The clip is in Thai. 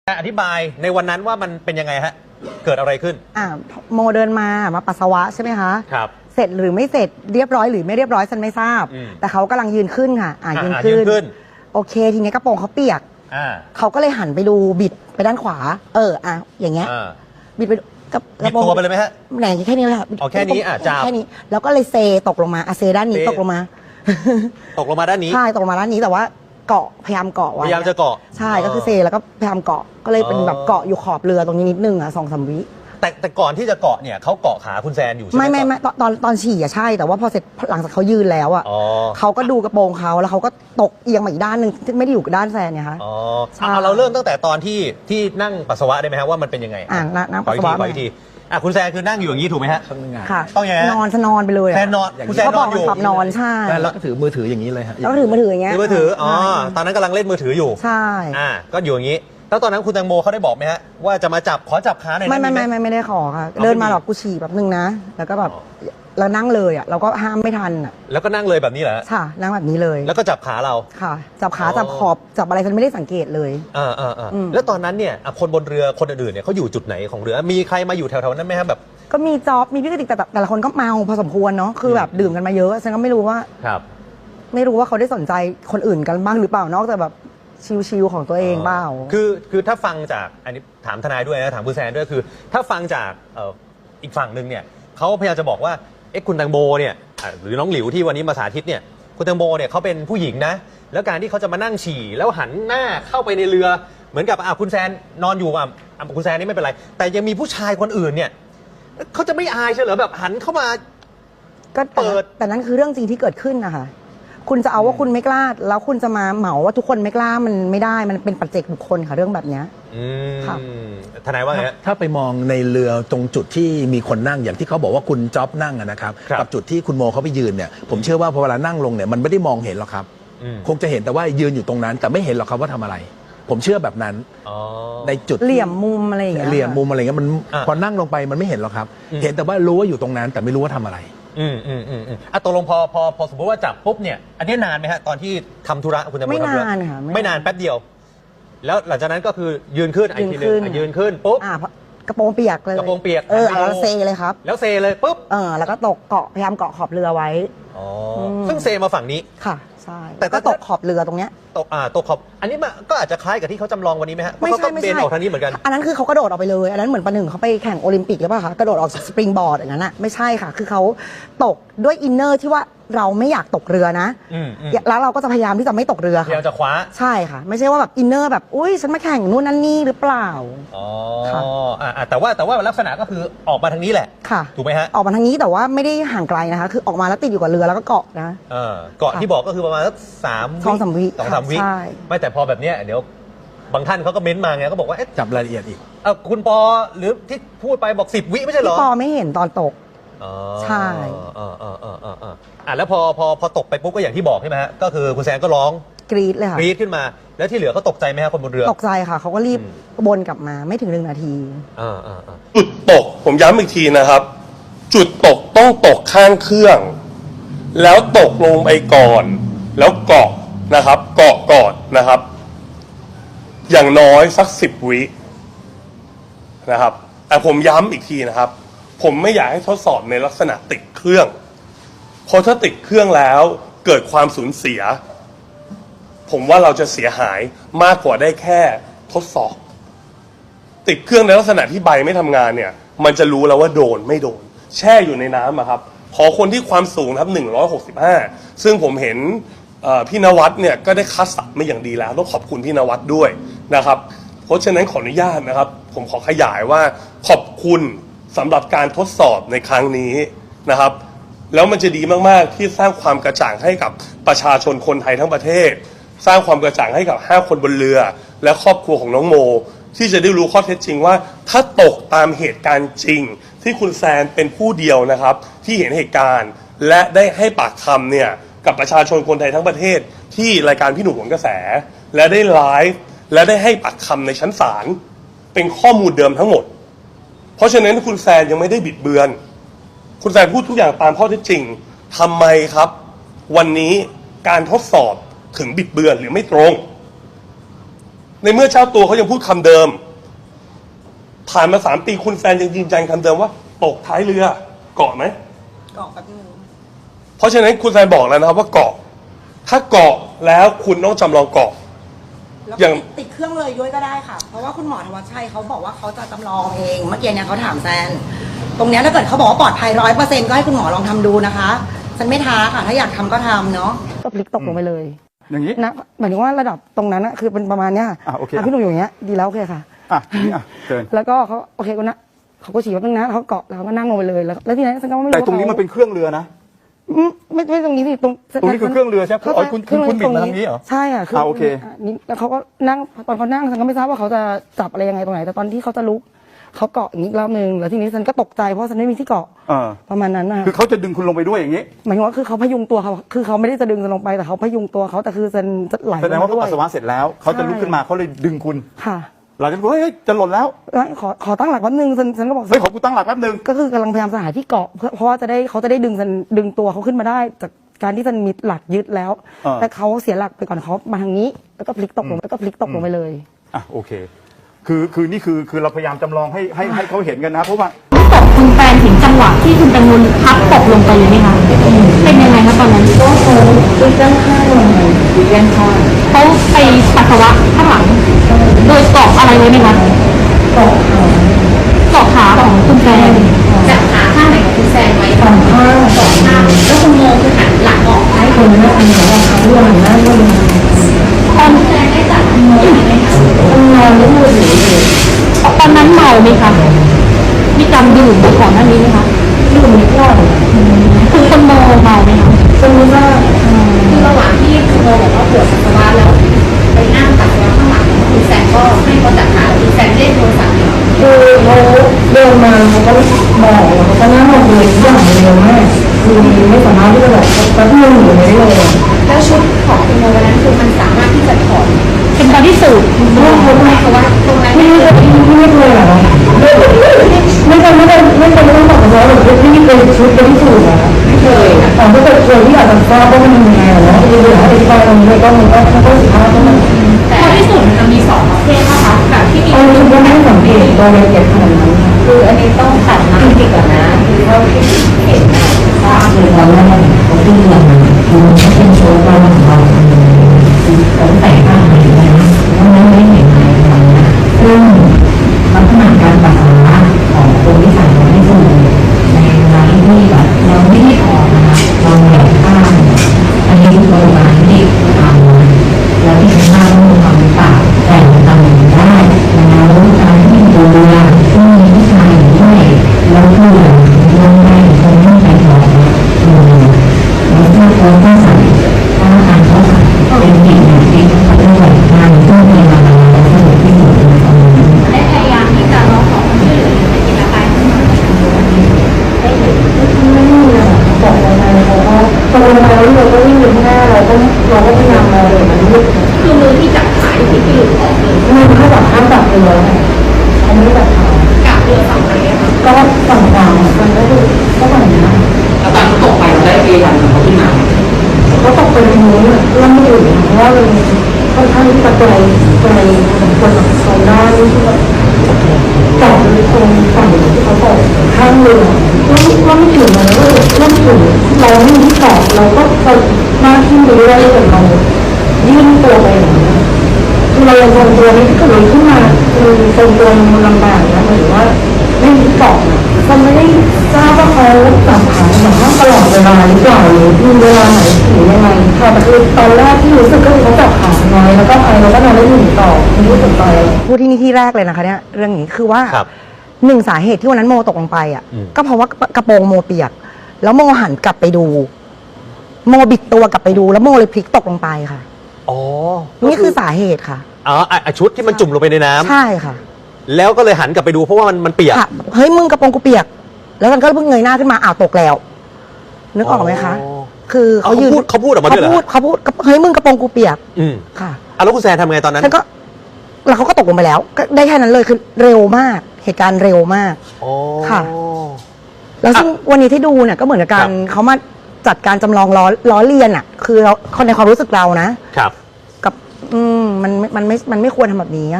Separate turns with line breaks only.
อธิบายในวันนั้นว่ามันเป็นยังไงฮะเกิดอะไรขึ้น
โมเดินมาปัสสาวะใช่ไหมคะ
ครับ
เสร็จหรือไม่เสร็จเรียบร้อยหรือไม่เรียบร้อยฉันไม่ทราบแต่เขากำลังยืนขึ้นค่ะยืนขึ้นโอเคทีนี้กระโปรงเขาเปียกเขาก็เลยหันไปดูบิดไปด้านขวาอย่างเงี้ยบิดไปกับ
กระโปรงตัวไปเลยไหมฮะ
แหน่แค่นี้เลยค่ะ
แค่นี้จับ
แค่นี้แล้วก็เลยเซตกลงมาเซด้านนี้ตกลงมา
ด้านนี้
ใช่ตกลงมาด้านนี้แต่ว่าเกาะพยายามเกาะไว้
พยายามจะเกาะ
ใช่ก็คือเซแล้วก็พยายามเกาะก็เลยเป็นแบบเกาะอยู่ขอบเรือตรงนี้นิดนึง2-3 วิ
แต่ก่อนที่จะเกาะเนี่ยเขาเกาะขาคุณแซนอยู่ใช่ไหม
ไม่ตอนฉี่ใช่แต่ว่าพอเสร็จหลังจากเขายืนแล้วเขาก็ดูกระโปรงเขาแล้วเขาก็ตกเอียงมาอีกด้านหนึ่งไม่ได้อยู่กับด้านแซนเนี่ยค่ะ
เราเริ่มตั้งแต่ตอนที่นั่งปัสสาวะได้ไหมฮะว่ามันเป็นยังไง
นั่งปัสสาวะ
ขออีกทีคุณแซนคือนั่งอยู่อย่างนี้ถูกไหมฮะ
ค่ะ
ต้องยังไง
นอนไปเลย
แซนนอนคุณแซนนอนอยู่
นอนใช่
แล้วก็ถือมือถืออย่างนี้เลยฮะ
แล้วก็ถือมือถืออย่างเงี้ย
มือถือตอนนั้นกำลังเล่นมือถืออยู่
ใช่
ก็อยู่อย่างนี้แล้วตอนนั้นคุณแตงโมเขาได้บอกไหมฮะว่าจะมาขอจับขาหน่อย
ไม่ได้ขอค่ะเดินมาหรอกกูฉี่แบบนึงนะแล้วก็แบบแล้วนั่งเลยเราก็ห้ามไม่ทัน
แล้วก็นั่งเลยแบบนี้เหรอ
ค่ะนั่งแบบนี้เลย
แล้วก็จับขาเรา
ค่ะจับขาจับขอบจับอะไรฉันไม่ได้สังเกตเลย
แล้วตอนนั้นเนี่ยคนบนเรือคนอื่นเนี่ยเขาอยู่จุดไหนของเรือมีใครมาอยู่แถวๆนั้นไหมครับแบบ
ก็มีจ๊อบมีพี่กติกแต่ละคนก็เมาพอสมควรเนาะคือแบบดื่มกันมาเยอะฉันก็ไม่รู้ว่าเขาได้สนใจคนอื่นกันบ้างหรือเปล่านอกจากแบบชิวๆของตัวเองเปล่า
คือถ้าฟังจากอันนี้ถามทนายด้วยนะถามคุณแซนด้วยคือถ้าฟังจากอีกฝั่งหนึ่งเนี่ยเขาพยายามจะบอกว่าคุณแตงโมเนี่ยหรือน้องหลิวที่วันนี้มาสาธิตเนี่ยคุณแตงโมเนี่ยเขาเป็นผู้หญิงนะแล้วการที่เขาจะมานั่งฉี่แล้วหันหน้าเข้าไปในเรือเหมือนกับคุณแซนนอนอยู่คุณแซนนี่ไม่เป็นไรแต่ยังมีผู้ชายคนอื่นเนี่ยเขาจะไม่อายใช่เหรอแบบหันเข้ามา
ก็เปิดแต่นั้นคือเรื่องจริงที่เกิดขึ้นนะคะคุณจะเอาว่าคุณไม่กล้าแล้วคุณจะมาเหมาว่าทุกคนไม่กล้ามันไม่ได้มันเป็นปัจเจกบุคคลค่ะเรื่องแบบนี้
ค่ะทนายว่าไง
ถ้าไปมองในเรือตรงจุดที่มีคนนั่งอย่างที่เขาบอกว่าคุณจ๊อบนั่งนะครับกับจุดที่คุณโมเขาไปยืนเนี่ยผมเชื่อว่าพอเวลานั่งลงเนี่ยมันไม่ได้มองเห็นหรอกครับคงจะเห็นแต่ว่ายืนอยู่ตรงนั้นแต่ไม่เห็นหรอกครับว่าทำอะไรผมเชื่อแบบนั้นในจุด
เหลี่ยมมุมอะไรอย่างเงี้ย
เหลี่ยมมุมอะไรเงี้ยมันพอนั่งลงไปมันไม่เห็นหรอกครับเห็นแต่ว่ารู้ว่าอยู่ตรงนั้นแต่ไม่รู้ว่าทำอะไร
ตกลงพอสมมติว่าจับปุ๊บเนี่ยอันนี้นานไหมฮะตอนที่ทำธุระคุณแตงโม
ไม่นานค่ะ
ไม่นานแป๊บเดียวแล้วหลังจากนั้นก็คือยืนขึ้นทีนึงยืนขึ้นปุ๊บ
กระโปรงเปียกเลย
กระโปรงเปียก
แล้วเซเลยครับ
แล้วเซเลยปุ๊บ
แล้วก็ตกเกาะพยายามเกาะขอบเรือไว้
ซึ่งเซมาฝั่งนี้
ค่ะใช่แต่ก็ตกขอบเรือตรงเนี้ย
ตกขอบอันนี้ก็อาจจะคล้ายกับที่เขาจำลองวันนี้ไหมฮะ
ไม่ใช่
เบนออกทางนี้เหมือนกัน
อันนั้นคือเขากระโดดออกไปเลยอันนั้นเหมือนประหนึ่งเขาไปแข่งโอลิมปิกหรือเปล่าคะกระโดดออกจากสปริงบอร์ดอย่างนั้นไม่ใช่ค่ะคือเขาตกด้วยอินเนอร์ที่ว่าเราไม่อยากตกเรือนะแล้วเราก็จะพยายามที่จะไม่ตกเรือค่ะ
พยายามจะคว้า
ใช่ค่ะไม่ใช่ว่าแบบอินเนอร์แบบอุ้ยฉันมาแข่งนู่นนั่นนี่หรือเปล่า
แต่ว่าลักษณะก็คือออกมาทางนี้แหละ
ค่ะ
ถูกไหมฮะ
ออกมาทางนี้แต่ว่าไม่ได้ห่างไกลนะคะคือออกมาแล้วติดอยู่กับเรือแล้วก็เกาะนะ
เกาะที่บอกก็คือประมาณสัก2-3 วิไม่แต่พอแบบเนี้ยเดี๋ยวบางท่านเขาก็เม้นมาไงก็บอกว่า
จับรายละเอียดอีก
คุณปอหรือที่พูดไปบอก10 วิไม่ใช่เหรอ
พี่ปอไม่เห็นตอนตกใช่
แล้วพอตกไปปุ๊บก็อย่างที่บอกใช่ไหมฮะก็คือคุณแซนก็ร้อง
กรี๊ดเลยค่ะ
กรี๊ดขึ้นมาแล้วที่เหลือเขาตกใจไหมฮะคนบนเรือ
ตกใจค่ะเขาก็รีบวนกลับมาไม่ถึง1 นาที
จุดตกผมย้ำอีกทีนะครับจุดตกต้องตกข้างเครื่องแล้วตกลงไปก่อนแล้วเกาะนะครับเกาะก่อนนะครับอย่างน้อยสัก10 วินะครับแต่ผมย้ำอีกทีนะครับผมไม่อยากให้ทดสอบในลักษณะติดเครื่องเพราะถ้าติดเครื่องแล้วเกิดความสูญเสียผมว่าเราจะเสียหายมากกว่าได้แค่ทดสอบติดเครื่องในลักษณะที่ใบไม่ทำงานเนี่ยมันจะรู้แล้วว่าโดนไม่โดนแช่อยู่ในน้ำครับขอคนที่ความสูงครับ165ซึ่งผมเห็นพี่นวัดเนี่ยก็ได้คัดสรรมาอย่างดีแล้วต้องขอบคุณพี่นวัดด้วยนะครับเพราะฉะนั้นขออนุญาตนะครับผมขอขยายว่าขอบคุณสำหรับการทดสอบในครั้งนี้นะครับแล้วมันจะดีมากๆที่สร้างความกระจ่างให้กับประชาชนคนไทยทั้งประเทศสร้างความกระจ่างให้กับ5 คนบนเรือและครอบครัวของน้องโมที่จะได้รู้ข้อเท็จจริงว่าถ้าตกตามเหตุการณ์จริงที่คุณแซนเป็นผู้เดียวนะครับที่เห็นเหตุการณ์และได้ให้ปากคำเนี่ยกับประชาชนคนไทยทั้งประเทศที่รายการพี่หนุ่มหนกระแสและได้ไลฟ์และได้ให้ปากคำในชั้นศาลเป็นข้อมูลเดิมทั้งหมดเพราะฉะนั้นคุณแซนยังไม่ได้บิดเบือนคุณแซนพูดทุกอย่างตามข้อเท็จจริงทำไมครับวันนี้การทดสอบถึงบิดเบือนหรือไม่ตรงในเมื่อเจ้าตัวเขายังพูดคำเดิม ผ่านมา3 ปีคุณแซนยังยืนยันคำเดิมว่าตกท้ายเรือเกาะไหม
เกาะกับนึง
เพราะฉะนั้นคุณแซนบอกแล้วนะครับว่าเกาะ ถ้าเกาะแล้วคุณต้องจำลองเกาะ
แล้ว
อย่าง
ติดเครื่องเลยด้วยก็ได้ค่ะ เพราะว่าคุณหมอธวัชชัยเขาบอกว่าเขาจะจำลองเองเมื่อกี้เนี่ยเขาถามแซนตรงเนี้ยถ้าเกิดเขาบอกว่าปลอดภัย100%ก็ให้คุณหมอลองทำดูนะคะฉันไม่ท้าค่ะ ถ้าอยากทำก็ทำเนาะก็พลิกตกลงไปเลย
อย่างนี้
นะหมายถึงว่าระดับตรงนั้นนะคือเป็นประมาณเนี้ย
โอเค
พี่หนุ่มอยู่อย่างเงี้ยดีแล้วโอเคค่ะ
ทีนี้เชิญ
แล้วก็เขาโอเคกูนะเขาก็ฉี่ว่าเป็นนะเขาเกาะแล้วก็นั่งลงไปเลยแล้วทีนี้ฉันก็ไม่รู้
แต่ตรงนี้มันเป็นเครื่องเรือนะ
ไม่ตรงนี้สิตรง
ตรงนี้คือเครื่องเรือใช่ไหมอ๋อคุณบิดมาทางนี้เหรอ
ใช่อ่ะ
โอเค
นี่แล้วเขาก็นั่งตอนเขานั่งฉันก็ไม่ทราบว่าเขาจะจับอะไรยังไงตรงไหนแต่ตอนที่เขาจะลุกเขาเกาะอย่างนี้รอบนึงแล้วทีนี้ฉันก็ตกใจเพราะฉันไม่มีที่เกาะ ประมาณนั้นนะ
คือเขาจะดึงคุณลงไปด้วยอย่างนี้
หมายถึงว่าคือเขาพยุงตัวเขาคือเขาไม่ได้จะดึงฉันลงไปแต่เขาพยุงตัวเขาแต่คือฉันจะไหล
แสดงว่า
ล
เขา
ด้ว
ปั
ย
สสาวะเสร็จแล้วเขาจะลุกขึ้นมาเขาเลยดึงคุณ
ค่ะ
หลังจากนั้นเฮ้ยจะหล่นแล้ว
แล้วขอตั้งหลักแป๊บนึงฉันก็บอก
เฮ้ยขอกูตั้งหลักแป๊บนึง
ก็คือกำลังพยายามจะหาที่เกาะเพราะว่าเขาจะได้ดึงตัวเขาขึ้นมาได้จากการที่ฉันมีหลักยึดแล้ว แต่เขาเสียหลักไปก่อนเขามาทางนี้แล้วก็พลิกตกลงไปเลย
โอเคคือนี่คือเราพยายามจำลองให้เขาเห็นกันนะเพราะว่า
ตกคุณแฟนเห็นจังหวะที่คุณแตงโมพับตกลงไปเลยไหมคะเป็นยังไงคะตอนนั้นก็เขาด้านข้างลงไปด้านข้างเขาไปปัสสาวะข้างหลัง โดยเกาะอะไรไว้ไหมคะเกาะขาของคุณแฟนจับขาข้างไหนของคุณแฟนไว้สองข้างแล้วคุณโมคือหันหลังออกให้คนนั้นอันนี้ว่าเขาด้วยหันหน้าด้วยตอนแฟนได้จับโมอยู่ไหมคะนอนแล้วมือถือตอนนั้นเมาไหมคะมีการดื่มก่อนหน้านี้ไหมคะดื่มนิดหน่อยคือคุณโมเมาไหมคะคุณว่าคือระหว่างที่คุณโมบอกว่าปวดปัสสาวะแล้วไปนั่งปัสสาวะข้างหลังคุณแซนก็ให้เขาจับขาคุณแซนเล่นโทรศัพท์คือเขาเดินมาเขาก็บอกเขานั่งลงเลยอย่างเร็วมากคือไม่สามารถที่จะแบบแป๊บนึงอยู่ไม่ได้เลยแล้วชุดของคุณโมวันนั้นคือมันสามารถที่จะถอดเป็นบอดี้สูทร่วมเขาไหมคะว่าตรงนั้นไม่เคยหรอไม่เคยต้องบอกเขาหรือไม่เคยชุดบอดี้สูทนะไม่เคยแต่ถ้าเกิดเคยที่อยากจะทราบว่ามันยังไงนะจะดูหาอธิบายตรงนี้ก็มันก็สิบห้าก็มันแต่บอดี้สูทมันมี2ประเภทนะคะแบบที่มีชุดก็ไม่สังเกตโดยละเอียดขนาดนั้นคืออันนี้ต้องตัดน้ำติดก่อนนะคือเท่าที่เห็นนะทราบเลยว่าเขาที่เรียนคือเป็นโชว์ว่ามันเขาแต่งหน้าอะไรนะเพราะนั้นไม่เห็นอะไรนะซึ่งลักษณะการปัสสาวะของคนที่ใส่ไว้ในสูในเวลาที่แบบเราไม่ได้ออกนะคะเราแหวกข้างอันนี้คือโบราณที่ทำแล้วที่ข้างต้องทำปากแต่งทำอย่างได้แล้วการที่ดูแลที่มีผู้ชายด้วยแล้วคือลงไปคนที่ใส่หมวกแล้วถ้าเขาต้องใส่ถ้าการเขาใส่เป็นสิ่งที่เขาต้องใส่งานซึ่งเป็นอะไรแล้วสนุกที่สุดในตอนนี้ได้พยายามที่จะร้องขอความช่วยเหลือในกิจการได้เห็นไม่มีเลยบอกอะไรเขาก็ตอนเราเราก็วิ่งอยู่ข้างหน้าเราก็พยายามมองเลยมันคือมือที่จับขาที่หลุดออกเลยมือเขาแบบห้ามจับเรือเขาไม่ได้จับขาจับเรือฝั่งไหนก็ฝั่งกลางมันก็คือก็ฝั่งนี้แล้วตอนตกไปเราได้พยายามเขาขึ้นมาก็ตกไปตรงนู้นเรื่องไม่อยู่เพราะว่ามันค่อนข้างที่จะไกลสมควรตรงด้านที่แบบจอดตรงฝั่งที่เขาตกข้างเรือว่าไม่ถึงเลยว่าไม่ถึงเราไม่มีที่เกาะเราก็ไปหน้าที่ไปเรื่อยๆแต่เรายื่นตัวไปอย่างนี้คือเรายังทรงตัวนี้ถ้าเกิดเราขึ้นมาคือทรงตัวมันลำบากนะหรือว่าไม่มีเกาะเราไม่ได้ทราบว่าเขาจับขาแบบว่าตลอดเวลาหรือเปล่าหรือมีเวลาไหนหรือยังไงค่ะแต่คือตอนแรกที่รู้สึกก็คือเขาจับขาน้อยแล้วก็ไปแล้วก็นอนได้หนึ่งต่อไม่รู้สึกไปพูดที่นี่ที่แรกเลยนะคะเนี่ยเรื่องนี้คือว่าหนึ่งสาเหตุที่วันนั้นโมตกลงไปอ่ะก็เพราะว่ากระโปรงโมเปียกแล้วโมหันกลับไปดูโมบิดตัวกลับไปดูแล้วโมเลยพลิกตกลงไปค่ะ
อ๋อ
นี่คือสาเหตุค่ะ
ชุดที่มันจุ่มลงไปในน้ำ
ใช่ค่ะ
แล้วก็เลยหันกลับไปดูเพราะว่ามันเปียก
เฮ้ยมึงกระโปรงกูเปียกแล้วมันก็เพิ่งเงยหน้าขึ้นมาตกแล้วนึกออกไหมคะคือเขายืน
เขาพูดออกมาด้วยเหรอ
เขาพูดเฮ้ยมึงกระโปรงกูเปียกค่ะ
แล้วคุณแซนทำไงตอนนั้น
แล้วเขาก็ตกลงไปแล้วก็ได้แค่นั้นเลยคือเร็วมากเหตุการณ์เร็วมากค่ะแล้วซึ่งวันนี้ที่ดูเนี่ยก็เหมือนกับการเขามาจัดการจำลองล้อเลียนอ่ะคือเราในความรู้สึกเรานะครับมันไม่ควรทำแบบนี้อะ